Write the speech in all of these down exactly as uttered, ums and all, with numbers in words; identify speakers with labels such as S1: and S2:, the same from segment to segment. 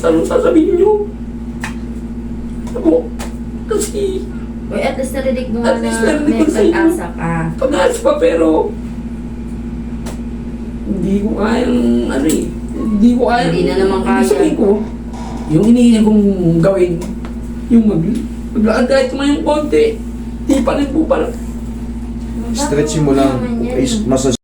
S1: anong sasabihin nyo? Ako, kasi,
S2: Uy, at least narinig mo nga
S1: At
S2: na
S1: least narinig
S2: may
S1: ko sa inyo.
S2: pag-asa ka.
S1: pag-aas pa pero, hindi ko kayang, ano eh, hindi ko kayang,
S2: Hindi na naman kaya.
S1: sabihin ko, yung iniingat kong gawin, yung mag, maglakad kahit yung konti, di pa rin po pala.
S3: Stretch mo lang. Is- Massage.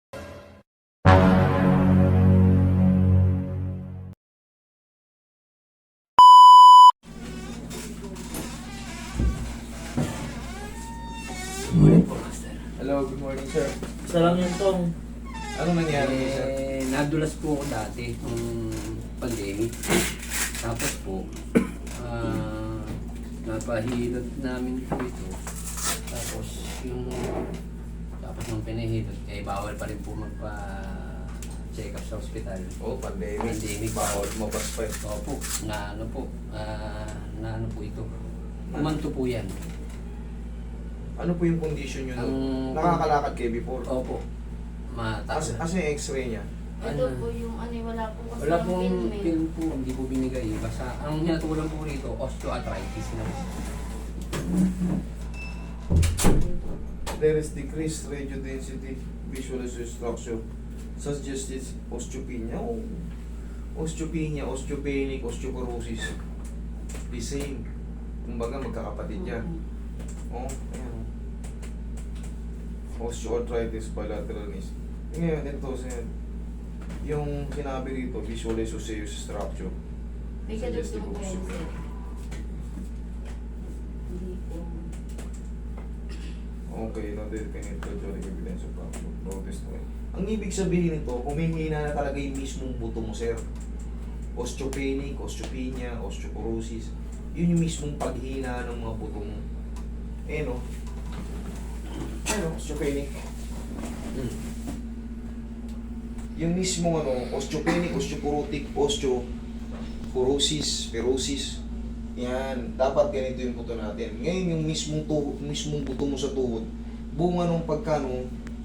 S1: Morning po, Master.
S3: Hello, good morning sir.
S4: Isa lang yun tong.
S3: Anong nangyari sir?
S1: Eh, nadulas po ako dati nung pandemic. Tapos po, ah, napahilot namin po ito. Tapos yung, tapos nung pinahilot, eh bawal pa rin po magpa-check up sa ospital.
S3: Oh, pandemic.
S1: Pandemic.
S3: Bawal mabas pa eh.
S1: Opo, na ano po, ah, na ano po ito. Umanto po yan.
S3: Ano po yung condition nyo nun?
S1: Ang-
S3: Nakakalakad kayo before?
S1: Opo,
S3: As,
S1: mataas.
S3: as yung x-ray niya?
S2: Ito po yung ano, wala po kasi
S1: Wala
S2: yung
S1: pong
S2: film eh.
S1: film po, hindi po binigay. Basta ang hinatulan po rito, osteoarthritis na.
S3: There is decreased radio density, visual structure, suggested osteopenia. Oh, osteopenia, osteopenic, osteoporosis. The same. Kumbaga magkakapatid yan. Oh, ayan. Osteoarthritis bilateral knees. Ngayon, ito sir. Yung sinabi rito, visual osseous structure.
S2: May
S3: Suggestive
S2: kadugtong
S3: osteo-
S2: pencil. Hindi po.
S3: Okay, non-definite radiologic evidence of fracture. Protest mo. Ang ibig sabihin nito, humihina na talaga yung mismong buto mo, sir. Osteopenic, osteopenia, osteoporosis. Yun yung mismong paghina ng mga buto mo. Eh, no? Ano, osteopenic. Hmm. Yung mismong ano, osteopenic, osteoporotic, osteoporosis, perosis. Yan, dapat ganito yung buto natin. Ngayon yung mismong tuhod, mismong buto mo sa tuhod, bunga nung pagkano,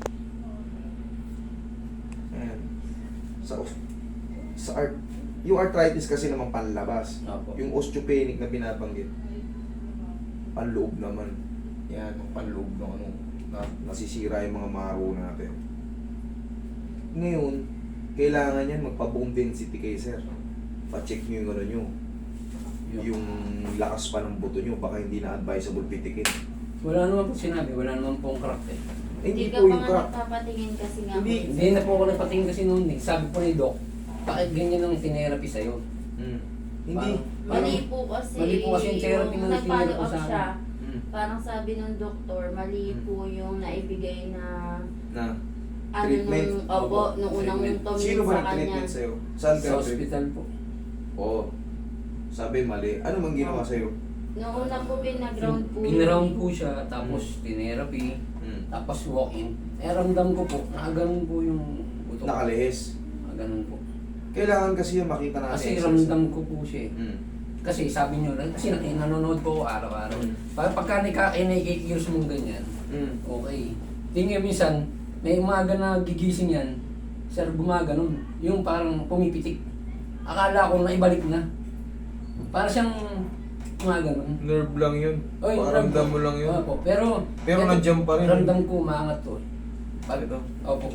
S3: yan, sa, sa art, yung arthritis kasi naman panlabas.
S1: Opo.
S3: Yung osteopenic na binabanggit, panloob naman. Yan, panloob ng ano, na, nasisira yung mga maro natin. Ngayon, kailangan yan magpa-bone density kay sir. Pa-check nyo yung ano nyo, yung lakas pa ng buto nyo, baka hindi na advisable pitikin.
S1: Wala naman po sinabi, wala naman pong crack eh.
S3: Eh, hindi
S2: Hindi
S3: po
S2: ka pa
S3: yung
S2: nga
S3: crack.
S2: nagpapatingin kasi nga
S3: Hindi.
S2: po.
S1: Hindi na po ako nagpatingin kasi noon eh. Sabi po ni Doc, bakit ganyan ang tinerapi sa'yo?
S3: Hmm. Hindi.
S1: Parang-
S2: Mali po kasi,
S1: Mali po kasi yung therapy na
S2: nag-follow
S1: tinira ko
S2: up
S1: sa akin.
S2: siya.
S3: Hmm.
S2: Parang sabi ng doktor, mali
S3: Hmm.
S2: po yung naibigay na
S3: Na,
S2: ano
S3: Treatment?
S2: nung, opo, nung unang
S1: Treatment.
S2: tumingin
S3: sino ba
S2: sa kanya.
S3: nag-treatment sa'yo? Saan
S1: Sa
S3: ka nag-treatment?
S1: ospital po.
S3: Oo. Sabi mali. Ano mang ginawa sa'yo?
S2: Nung una po pinaground po.
S1: Pinround po siya, tapos tinerapi,
S3: Hmm.
S1: tapos walk-in. Eh ramdam ko po, nakaganon po yung buto.
S3: Nakalihis.
S1: Nakaganon po.
S3: Kailangan kasi yung makita natin.
S1: Kasi
S3: exercise.
S1: ramdam ko po siya eh.
S3: Hmm.
S1: Kasi sabi nyo, kasi nakin- nanonood po ako araw-araw.
S3: Mm.
S1: Pag pagka nika- eh, nakikikilos mong ganyan,
S3: Hmm.
S1: okay. Tingnan minsan, may umaga na gigising yan, sir, gumaganon. Yung parang pumipitik. Akala ko na ibalik na. Para siyang gumaganon.
S3: Nerve lang yun.
S1: Oy,
S3: Paramdam mo lang yun.
S1: Opo, pero...
S3: Pero
S1: eto,
S3: nandiyan pa rin.
S1: Ramdam ko umangat to. Pag,
S3: Ito.
S1: opo.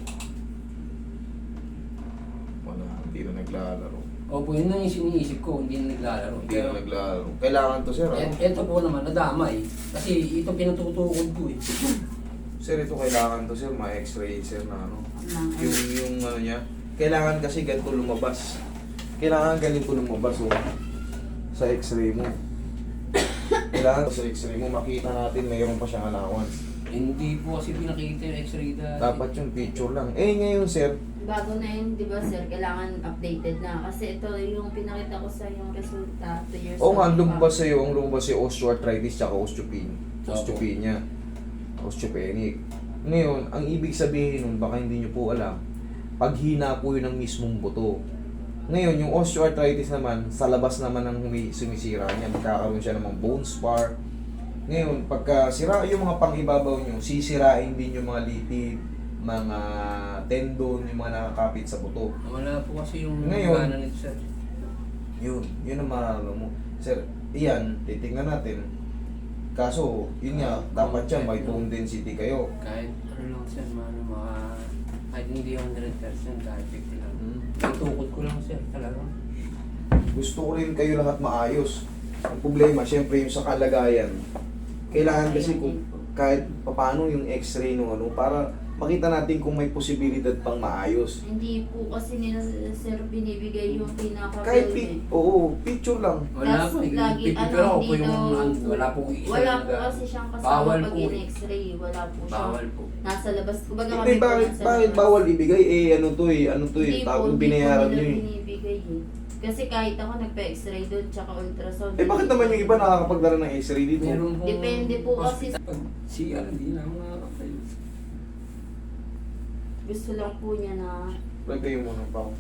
S3: Wala, hindi na naglalaro.
S1: Opo, yun ang iniisip ko, hindi na naglalaro.
S3: Hindi na naglalaro. Kailangan to sir, ano?
S1: Et, eto po naman, nadamay. Kasi ito pinatutukod ko eh.
S3: Sir, ito kailangan to sir, ma-x-ray sir na ano.
S2: Ng-
S3: Yung, yung ano niya, kailangan kasi ganito lumabas. Kailangan ganito lumabas oh. Sa x-ray mo. Kailangan sa x-ray mo, makita natin mayroon pa siyang allowance.
S1: Hindi po kasi pinakita yung x-ray dati.
S3: Dapat yung picture lang. Eh ngayon sir,
S2: Bago na yun, di ba sir, kailangan updated na. Kasi ito yung pinakita ko sa yung resulta, two years
S3: oo nga,
S2: ago
S3: lumabas
S2: pa.
S3: sa'yo, ang lumabas sa'yo osteoarthritis tsaka osteopenia.
S1: Opo.
S3: Osteopenia. Osteopenic. Ngayon, ang ibig sabihin nun, baka hindi nyo po alam, paghina po yun ng mismong buto. Ngayon, yung osteoarthritis naman, sa labas naman ng humi- sumisira niya, magkakaroon siya ng mga bone spar. Ngayon, pagka sira yung mga pang-ibabaw nyo, sisirain din yung mga litid, mga tendon, yung mga nakakapit sa buto.
S1: Wala po kasi yung
S3: Ngayon,
S1: gana nito sir.
S3: Yun, yun ang mararamdaman mo. Sir, iyan, titingnan natin. Kaso, yun nga, dapat yan, may bone density kayo.
S1: Kahit ano lang sir, mga, mga kahit hindi one hundred percent, kahit fifty lang.
S3: Hmm.
S1: May tukod ko lang sir, talaga.
S3: Gusto ko rin kayo lahat maayos. Ang problema, syempre yung sa kalagayan. Kailangan kasi kung kahit paano yung x-ray nung ano, para makita natin kung may posibilidad pang maayos.
S2: Hindi po kasi nila sir binibigay yung pinaka
S3: Kahit pi oo, picture lang.
S1: Wala
S2: Tas
S1: po,
S2: lagi,
S1: pipipiro
S2: ano,
S1: ko po
S2: hindi
S1: yung,
S2: daw-
S1: ano, wala po isa
S2: Wala
S1: na
S2: po
S1: nag-
S2: kasi siyang kasama
S1: Bawal
S2: pag
S1: po eh.
S2: in-x-ray. Wala po siya.
S1: Bawal po.
S2: Nasa labas. Kumbaga
S3: Hindi,
S2: kami po
S3: bakit,
S2: nasa
S3: bakit
S2: labas.
S3: bawal ibigay? Eh, ano to eh, ano to eh,
S2: Hindi po,
S3: tago
S2: hindi po
S3: binayaran
S2: nila
S3: nyo eh.
S2: binibigay eh. Kasi kahit ako nagpa-x-ray doon, tsaka ultrasound.
S3: Eh, bakit naman yung iba nakakapagdala ng x-ray dito?
S1: Meron pong
S2: Depende po kasi-
S1: hospital. Pag C R, hindi na ako nakakatayo.
S2: Gusto lang po niya na
S3: Lagay mo ng pang.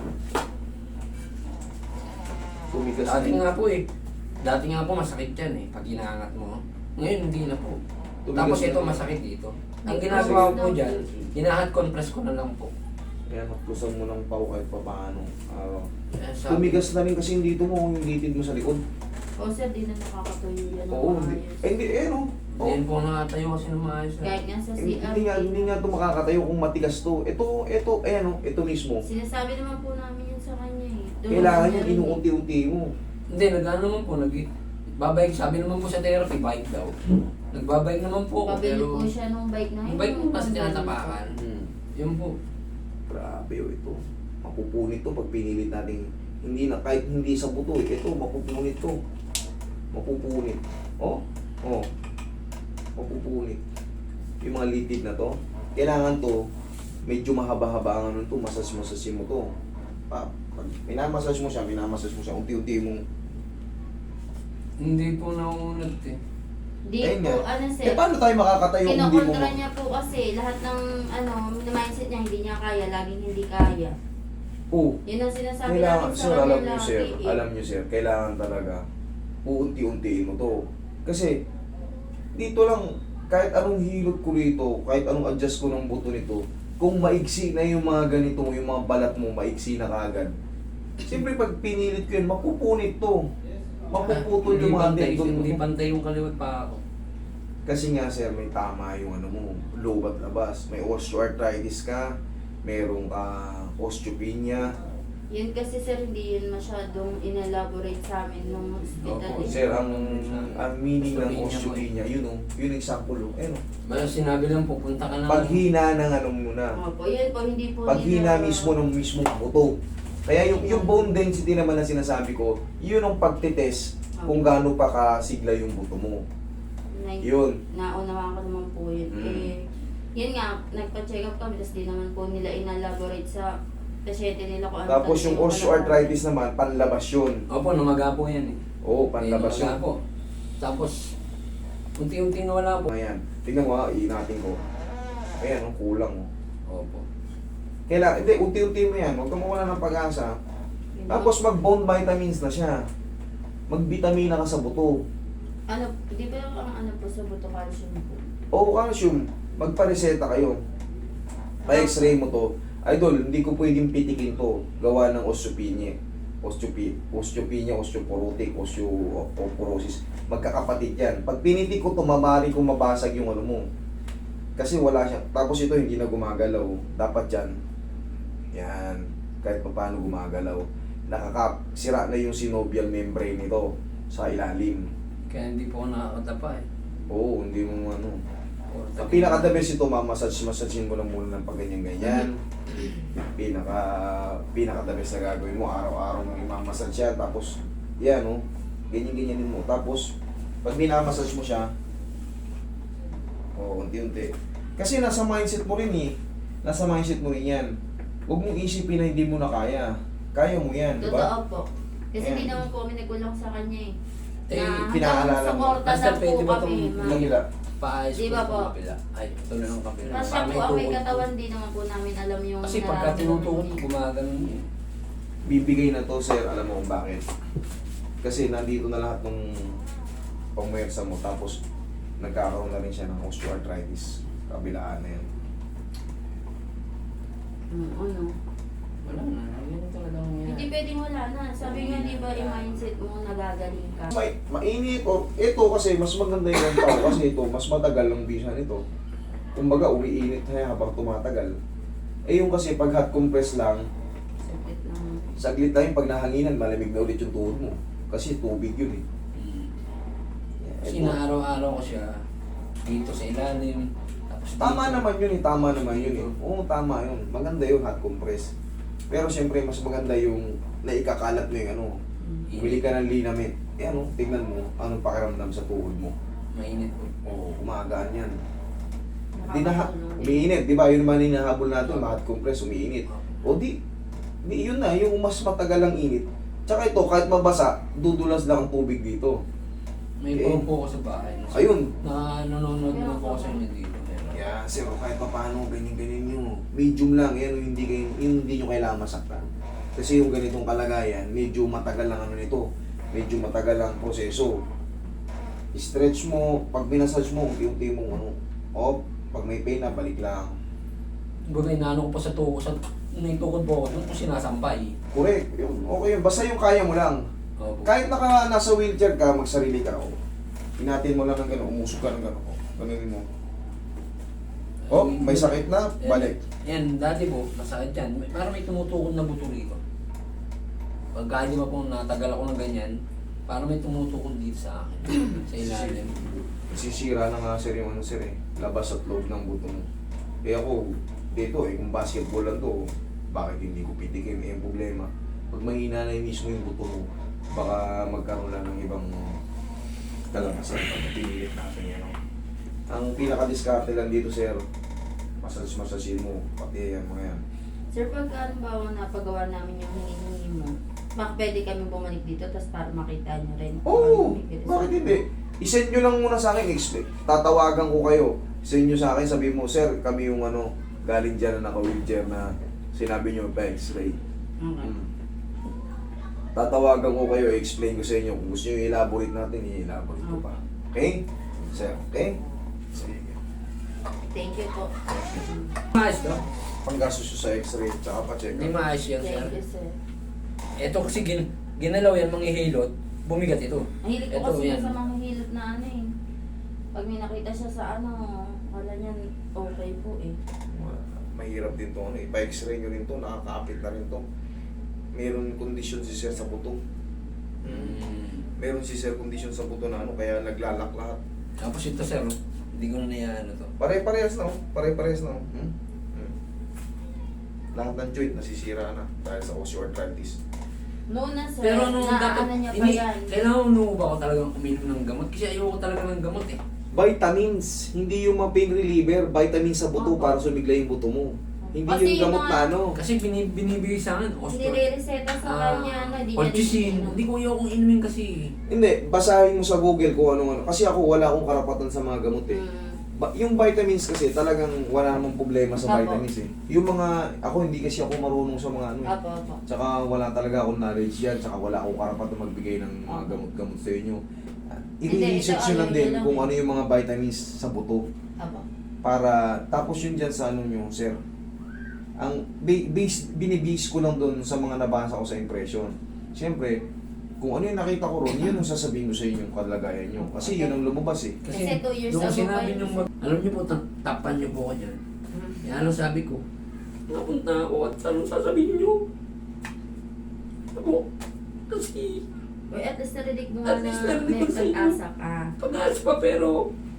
S3: Tumigas
S1: Dati
S3: na.
S1: nga po eh. Dati nga po masakit yan eh, pag inaangat mo. Ngayon hindi na po.
S3: Tumigas
S1: Tapos
S3: na.
S1: ito masakit dito. Ang
S2: May
S1: ginagawa
S2: process
S1: ko
S2: daw
S1: dyan,
S2: po eh.
S1: hinahat compress ko na lang po.
S3: Kaya naklusan mo ng pau kahit pa paano. araw.
S1: Eh, sabi-
S3: Tumigas na rin kasi yung dito mo, yung litid mo sa likod.
S2: o sir, di na nakakatuyo yan.
S3: Oo,
S2: ng
S3: hindi.
S2: maayos.
S3: Eh, hindi, eh, no? Oh.
S1: Hindi po nakatayo kasi ng maayos. eh.
S2: Kahit nga sa C
S3: Hindi,
S2: R.
S3: hindi nga, hindi nga ito makakatayo kung matigas to. Ito, ito, ayan o, ito mismo.
S2: Sinasabi naman po namin yun sa kanya eh. Doon
S3: Kailangan
S2: namin
S3: yung
S2: narinig.
S3: inuunti-unti mo.
S1: Hindi, nag-ano naman po, nag babike, sabi naman po sa therapy, bike daw. Nagbabike naman po ako,
S2: Pabili
S1: pero
S2: po siya nung bike na
S1: yung bike mo kasi tinatapakan.
S3: Hmm.
S1: Yun po.
S3: Grabe o ito. Mapupunit to pag pinilit natin. Hindi na, kahit hindi sa buto, eh. Ito, mapupunit to. Mapupunit. Oh, oh. Mapupunit. Yung mga litid na to, kailangan to, medyo mahaba-haba ang ano to, masas-masas mo to. Pa, pag minamassage mo siya, minamassage mo siya, unti-unti mong,
S1: Hindi po naunat eh.
S2: Di
S3: Ayun
S2: po,
S3: nga.
S2: ano sir,
S3: eh paano tayo makakatayo kung hindi mo,
S2: kinokontra niya po kasi lahat ng ano, mindset niya hindi niya kaya, laging hindi kaya.
S3: oh,
S2: Yun ang sinasabi
S3: kailangan,
S2: namin sa
S3: sir,
S2: kanya
S3: alam niyo
S2: lagi
S3: sir,
S2: eh.
S3: alam niyo sir, kailangan talaga, uunti-untiin mo to. Kasi, dito lang, kahit anong hilot ko rito, kahit anong adjust ko ng buto nito, kung maigsi na yung mga ganito, yung mga balat mo, maigsi na kagad. Siyempre, pag pinilit ko yun, mapupunit to. Mapuputol
S1: Hindi
S3: yung mga
S1: pantay,
S3: tendon
S1: hindi
S3: mo.
S1: pantay yung kaliwat pa ako.
S3: Kasi nga sir, may tama yung ano mo, lobat labas. May osteoarthritis ka, meron ka osteopenia.
S2: Yun kasi sir, hindi yun masyadong inelaborate sa amin nung hospital.
S1: Opo,
S2: eh.
S3: Sir, ang, ang meaning ng
S1: Osteopenia
S3: osteopenia, yun o, yun ang example o. Ayun o.
S1: Basta sinabi lang po, punta ka na.
S3: Paghina ng ano muna.
S2: Opo, yun po, hindi po
S3: Paghina
S2: nila-
S3: mismo ng mismong buto. Kaya yung, yung bone density naman na sinasabi ko, yun ang pagtitest kung gaano pa kasigla yung buto mo.
S2: Na,
S3: Yun.
S2: Naunawaan ko naman po yun.
S3: Mm.
S2: Eh, yun nga, nagpa-check up kami, tapos di naman po nila inelaborate sa pasyente nila kung ano.
S3: Tapos
S2: talaga
S3: yung
S2: yung
S3: osteoarthritis naman, panlabas yun.
S1: Opo, namaga po yan eh.
S3: Oo, panlabas
S1: Eh, namaga
S3: yun.
S1: po. Tapos, unti-unti nawala po.
S3: Ayan, tingnan mo ha, iinatin ko. Ayan, oh, kulang oh.
S1: Opo.
S3: Kailangan, hindi, unti-unti mo yan, huwag ka mawala ng pag-asa.
S2: Yun.
S3: Tapos mag-bone vitamins na siya. Mag-vitamina ka sa buto.
S2: Ano, di ba ang ano po sa buto calcium po?
S3: O calcium, magpa-reseta kayo. Pa-x-ray mo to. Idol, hindi ko pwedeng pitikin to. Gawa ng osteopenia. Osteopenia, osteopenia, osteoporotic, osteoporosis. Magkakapatid yan. Pag pinitik ko to, mamari kong mabasag yung ano mo. Kasi wala siya. Tapos ito hindi na gumagalaw. Dapat yan. Yan. Kahit pa paano gumagalaw. Nakakasira na yung synovial membrane nito sa ilalim.
S1: Kaya hindi po ako nakakadapa eh.
S3: Oo, hindi mo ano.
S1: Or,
S3: Ang pinaka-the best ito, mamassage, massagein mo lang muna ng pag ganyan-ganyan. Pinaka, pinaka-the best na gagawin mo, araw-araw mo imamassage yan, tapos, yan o, ganyan-ganyanin mo. Tapos, pag minamassage mo siya, o, unti-unti. Kasi nasa mindset mo rin eh. Nasa mindset mo rin yan. Huwag mong isipin na hindi mo na kaya. Kaya mo yan, di ba?
S2: Totoo po. Kasi
S3: Ayan.
S2: hindi naman po kami nagkulang sa kanya eh.
S1: Eh,
S2: Na
S3: pinaalala
S2: hanggang
S3: mo.
S2: suporta
S1: Basta
S2: na po
S1: pwede ba
S2: kami.
S1: itong
S2: ma'am.
S3: Nagila.
S1: paayos
S2: Di
S1: ko
S2: ba
S1: sa
S2: po?
S1: kapila. Ay, ito na ng kapila.
S2: Kasi
S1: Pa,
S2: po
S1: may
S2: ang may
S1: tuhod po.
S2: katawan, di naman po namin alam yung
S1: Kasi pagka
S2: nararamdaman
S1: tinutuhod,
S2: niya.
S1: gumagano'n yun.
S3: Bibigay na to, sir. Alam mo kung bakit? Kasi nandito na lahat ng pangmersa mo. Tapos, nagkakaroon na rin siya ng osteoarthritis. Kabilaan na yan.
S2: Mm, ano?
S1: Wala na, ganun talaga
S2: Hindi
S1: nangyayari.
S2: pwedeng wala na. Sabi nga, di ba, yung mindset mo nagagaling ka.
S3: May, mainit o ito kasi mas maganda yung tao kasi ito mas matagal ang bisa nito. Kumbaga umiinit na habang tumatagal. Eh yung kasi pag hot compress lang,
S2: Sakit lang.
S3: saglit lang yung pag nahanginan, malamig na ulit yung tuhod mo. Kasi tubig yun eh.
S1: Hmm.
S3: Eh,
S1: Kasi
S3: ito-
S1: araw-araw ko siya dito sa ilalim. Tapos
S3: Tama
S1: dito.
S3: naman yun eh, tama naman yun eh. Oo, tama yun. Maganda yung hot compress. Pero siyempre mas maganda yung naikakalat mo yung ano,
S2: Mm.
S3: bumili ka ng linament. Eh ano, tingnan mo, anong pakiramdam sa tuhod mo.
S1: Mainit po.
S3: Oo, umagaan yan. Di na,
S2: Nakakatulong din.
S3: umiinit, di ba? Yun naman yung hinahabol natin, hot compress, umiinit. O di, di yun na, yung mas matagal ang init. Tsaka ito, kahit mabasa, dudulas lang ang tubig dito.
S1: May
S3: Eh.
S1: puro po ako sa bahay.
S3: Ayun.
S1: Na nanonood naman po ako sa inyo dito. Meron.
S3: Kaya, sir, kahit pa paano, ganyan-ganyan nyo. Medium lang, yan, yung hindi, kayo, yung hindi nyo kailangan masaktan. Kasi yung ganitong kalagayan, medyo matagal lang ano nito. Medyo matagal lang proseso. Stretch mo, pag binasage mo, unti-unti mong ano, off, pag may pain na, balik lang.
S1: Baga inaano ko pa sa tukod. Sa naitukod po ako, doon ko sinasampay.
S3: Correct, yun, okay yun. Basta yung kaya mo lang.
S1: Opo.
S3: Kahit naka nasa wheelchair ka, magsarili ka, oh. Inatin mo lang ng gano'n, umusog ka ng gano'n, oh. Ganunin mo. Oh, may sakit na, balik.
S1: Yan, dati po, masakit yan. May- Parang may tumutukod na buto rito. Pagka hindi ba po natagal ako ng ganyan, parang may tumutukod dito sa akin. Sa ilalim.
S3: Sisira na nga sir yung ano sir eh, labas at loob ng buto mo. Eh ako, dito eh, kung basketball lang to, bakit hindi ko pitikim? Eh, yung problema, pag mahina na yung mismo yung buto mo, baka magkaroon lang ng ibang kalamasan pag pinilit natin yan. Oh. Ang pinaka-discarte lang dito sir, massage-massage mo, pati yan mga yan.
S2: Sir, pagka halimbawa napagawa namin yung hinihingi mo, baka pwede kami bumalik dito tapos para makita nyo rin. kung
S3: Oo,
S2: ano may result.
S3: bakit hindi? I-send nyo lang muna sa akin, expect. Tatawagan ko kayo. Send nyo sa akin, sabi mo, sir, kami yung ano, galing dyan na naka-wheelchair na sinabi nyo pa x-ray.
S2: Okay.
S3: Hmm. Tatawagan ko kayo, explain ko sa inyo. Kung gusto nyo i-elaborate natin, i-elaborate ko pa. Okay? Sir, okay? Sige.
S2: Thank you po.
S1: Maayos to?
S3: Panggastos nyo sa x-ray, tsaka pa-check
S1: Hindi
S3: up.
S1: maayos yan, sir.
S2: Thank you, sir.
S1: Ito kasi gin ginalaw yan, manghihilot, bumigat ito.
S2: Mahilig ko
S1: Ito,
S2: kasi
S1: yan.
S2: sa mga hilot na ano eh. Pag may nakita siya sa ano, wala niyan okay po eh.
S3: Mahirap din to, ano, ipa-x-ray nyo rin to, nakakapit na rin to. Meron condition si sir sa buto.
S1: Mm.
S3: Meron si sir condition sa buto na ano, kaya naglalak lahat.
S1: Tapos ito, sir, oh. Hindi ko na naiano to.
S3: Pare-parehas na, oh. Pare-parehas na, oh. Hmm? Hmm. Lahat ng joint nasisira na dahil sa osteoarthritis.
S2: Noon na sir,
S1: Pero nung
S2: naano
S1: dapat,
S2: niya pa
S1: ini,
S2: yan.
S1: kailangan mo ba ako talagang uminom ng gamot? Kasi ayoko talaga ng gamot eh.
S3: Vitamins, hindi yung mga pain reliever, vitamins sa buto
S2: Opo.
S3: para sumigla yung buto mo. Hindi
S2: Kasi
S3: yung gamot
S2: yung
S3: na
S2: mga-
S3: ano.
S1: Kasi bini, binibigay sa akin, osteo.
S2: Nire-reseta sa kanya na di niya
S1: Colchicine.
S2: iniinom.
S1: Hindi ko ayokong inumin kasi.
S3: Hindi, basahin mo sa Google kung anong ano. Kasi ako wala akong karapatan sa mga gamot eh.
S2: Mm.
S3: Ba- yung vitamins kasi talagang wala namang problema sa
S2: Apo.
S3: vitamins eh. Yung mga, ako hindi kasi ako marunong sa mga ano eh.
S2: Apo, apo.
S3: Tsaka wala talaga akong knowledge yan, tsaka wala akong karapatan magbigay ng mga
S2: Opo.
S3: gamot-gamot sa inyo.
S2: Hindi,
S3: I-research
S2: ito,
S3: nyo lang
S2: ano,
S3: din
S2: yun lang
S3: kung
S2: eh.
S3: ano yung mga vitamins sa buto.
S2: Apo.
S3: Para, tapos yun dyan sa ano nyo, sir. Ang ba- base, binibase ko lang doon sa mga nabasa ko sa impression. Siyempre, kung ano yung nakita ko ron, yun ang sasabihin ko sa inyong kalagayan nyo. Kasi yun ang lumabas eh.
S2: Kasi two years
S1: doon ko
S2: ago
S1: sinabi
S2: pa yun.
S1: nung mag... Alam niyo po, ta- tapan niyo po ako dyan.
S2: Mm.
S1: Kaya ano sabi ko, napunta ako at anong sasabihin niyo? Ako, kasi
S2: Uy, at least narinig mo
S1: At
S2: nga
S1: least
S2: na
S1: narinig
S2: may
S1: ko sa inyo.
S2: pag-asa ka.
S1: pag-aas pa pero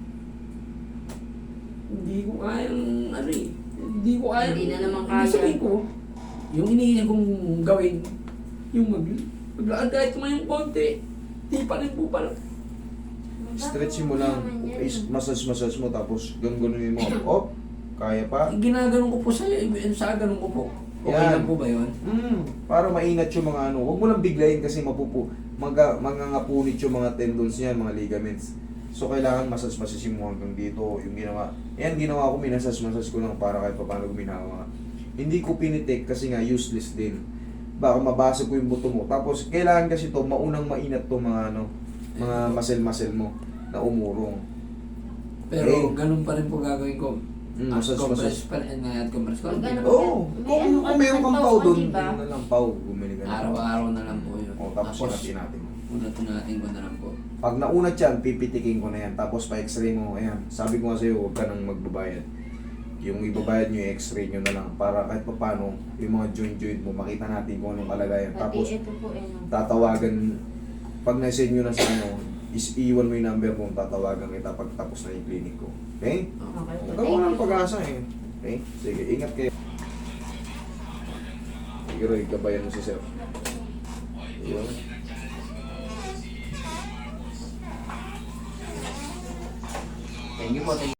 S1: hindi ko kayang ano eh. Hindi ko kayang...
S2: Hindi na naman
S1: Hindi
S2: kaya.
S1: sabihin ko, yung iniisip kong gawin, yung mag... Maglaan kahit yung konti, di pa rin po pala.
S3: Stretching mo lang, massage-massage mo, tapos ganun-ganunin mo. Oh, kaya pa?
S1: Ginaganon ko po sa sa ganun ko po. Okay
S3: Yan.
S1: lang po ba yun?
S3: Hmm, para maingat yung mga ano. Huwag mo lang biglayin kasi mapupu, maga, mangangapunit yung mga tendons niyan, mga ligaments. So, kailangan massage-massage mo hanggang dito. Yung ginawa. Yan, ginawa ko, minasage-massage ko lang para kahit paano guminawa. Hindi ko pinitik kasi nga useless din. Baka mabasa ko yung buto mo. Tapos, kailangan kasi to maunang mainat to mga ano, mga muscle-muscle mo na umurong.
S1: Pero
S3: Okay.
S1: ganun pa rin po gagawin ko.
S3: Mm,
S1: At
S3: massage,
S1: compress
S3: massage.
S1: pa rin nga at compress ko.
S2: Pag ano,
S3: Oo,
S2: May
S3: kung,
S2: ano ka
S3: kung meron
S2: naman
S3: kang
S2: tao
S3: pau
S2: ka,
S3: doon,
S2: diba?
S3: yun na lang pau, bumili ka na.
S1: Araw-araw na lang po yun.
S3: O, tapos unatin natin.
S1: Unatin natin ko na lang po.
S3: Pag naunat yan, pipitikin ko na yan. Tapos pa-x-ray mo, ayan. Sabi ko nga sa'yo, huwag ka nang magbabayad. Yung ibabayad nyo, yung x-ray nyo na lang. Para kahit pa paano, yung mga joint-joint mo, makita natin kung anong kalagayan.
S2: Pati
S3: Tapos,
S2: ito po eh. no?
S3: tatawagan, pag na-send nyo na sa ano, is iwan mo yung number kung tatawagan kita pag tapos na yung clinic ko. Okay?
S2: Okay po.
S3: Nagawa
S2: Thank
S3: ng
S2: you.
S3: pag-asa eh. Okay? Sige, ingat kayo. Sige, Roy, gabayan mo si Sir. Yun.
S1: Thank you po. Thank you.